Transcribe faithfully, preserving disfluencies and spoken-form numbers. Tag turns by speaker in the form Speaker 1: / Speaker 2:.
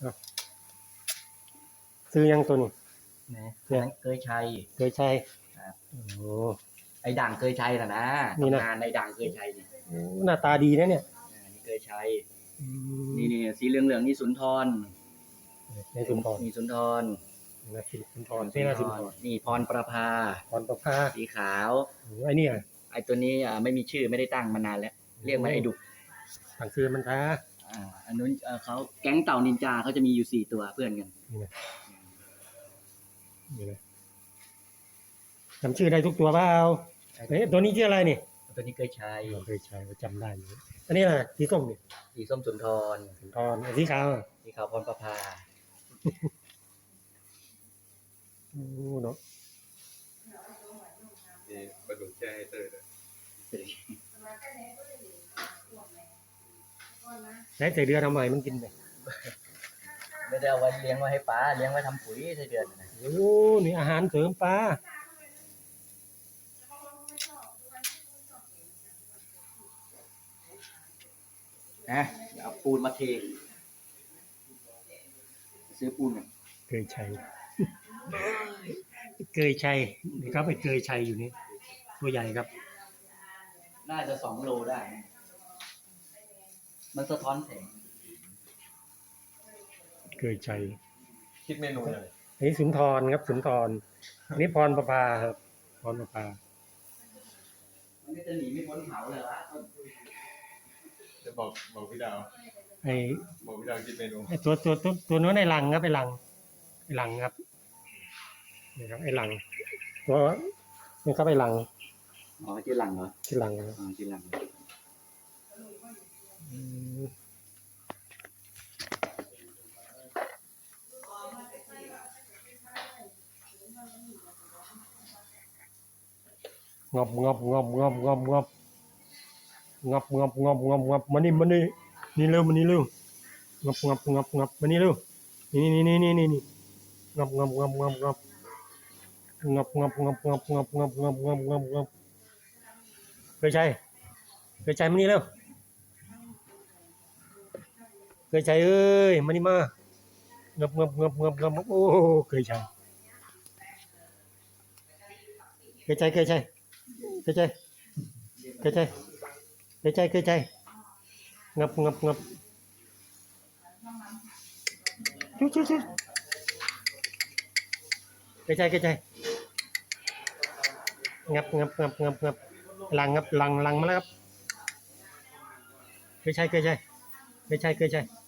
Speaker 1: ซื้อยังตัวนี้
Speaker 2: นะเนี่ยเคยใช้
Speaker 1: เคยใช้
Speaker 2: ครับ
Speaker 1: โอ้
Speaker 2: ไอ้ด่างเคยใช้น่ะนะนี่นะในด่างเคยใช้นี่
Speaker 1: หน้าตาดีนะเนี่ย
Speaker 2: นี่เคยใช้นี่นี่สีเหลืองเหลืองนี่สุนทร
Speaker 1: ในสุนทร
Speaker 2: นี่สุนทร
Speaker 1: นะสุนทรนี่นะสุนทร
Speaker 2: นี่พรประภา
Speaker 1: พรประภา
Speaker 2: สีขาว
Speaker 1: ไอ้นี่
Speaker 2: ไอ้ตัวนี้อ่าไม่มีชื่อไม่ได้ตั้งมานานแล้วเรียกมันไอ้ดุ
Speaker 1: ตั้งชื่อมันท้า
Speaker 2: อ่าอันนู้นเขาแก๊งเต่านินจาเขาจะมีอยู่สี่ตัวเพื่อนกัน
Speaker 1: นี่นะนี่นะจำชื่อได้ทุกตัวเปล่าเอ้ตัวนี้ชื่ออะไรนี่
Speaker 2: ตัวนี้เคยใช้
Speaker 1: เคยใช้จำได้อยู่อันนี้แหละสีส้มนี่
Speaker 2: สีส้มสุนทร
Speaker 1: สุนทรสีขาว
Speaker 2: สีขาวพรประภา
Speaker 1: โอ้เนาะ
Speaker 3: นี่ปลาดุกแช่ให้เตอร์เลย
Speaker 1: ใช้ใส่เดือทำไมมันกินไป
Speaker 2: ไม่ได้เอาไว้เลี้ยงไว้ให้ปลาเลี้ยงไว้ทำปุ๋ยใส่เดือนนะ
Speaker 1: โอ้นี่อาหารเสริมปลา
Speaker 2: นะเอาปูนมาเทซื้อปูนเนี่ย
Speaker 1: เคยใช้เคยใช้นี่ครับไอ้เคยใช้อยู่นี่ตัวใหญ่ครับ
Speaker 2: น่าจะสองโลได้มันสะท้อนแสง
Speaker 1: เคยใช้
Speaker 3: คิดเมนูเลย
Speaker 1: อันนี้สุนทรครับสุนทรอันนี้พรประภาครับพรประภา
Speaker 2: มันจะหนีไม่พ้นเขาเลยวะ
Speaker 3: จะบอกบอกพี่ดาว
Speaker 1: ไอ้
Speaker 3: บอกพี่ดาวคิดเมนู
Speaker 1: ไอ้ตัวตัวตัวตัวนู้นไอ้หลังครับไอ้หลังไอ้หลังครับนี่ครับไอ้หลังตัวนี่ครับไอ้หลัง
Speaker 2: อ๋อชื่อหลังเหรอ
Speaker 1: ชื่อหลังครับ
Speaker 2: อ๋อชื่อหลัง
Speaker 1: งอบงอบงอบงอบงอบงอบงอบงอบงอบงอบงอบมานี่มานี่นี่เร็วมานี่เร็วงอบงอบงอบงอบมานี่เร็วนี่นี่นี่นี่นี่นี่งอบงอบงอบงอบงอบงอบงอบงอบงอบงอบงอบงอบงอบงอบงอบเคยใช้เคยใช้มานี่เร็วเคยใช้เอ้ยมานี่มางอบงอบงอบงอบงอบโอ้เคยใช้เคยใช้เคยใช้เคยใช้เคยใช้เคยใช้เคยใช้งับงับงับชุชุชุเคยใช้เคยใช้งับงับงับงับงับหลังงับหลังหลังมาแล้วครับเคยใช้เคยใช้เคยใช้เคยใช้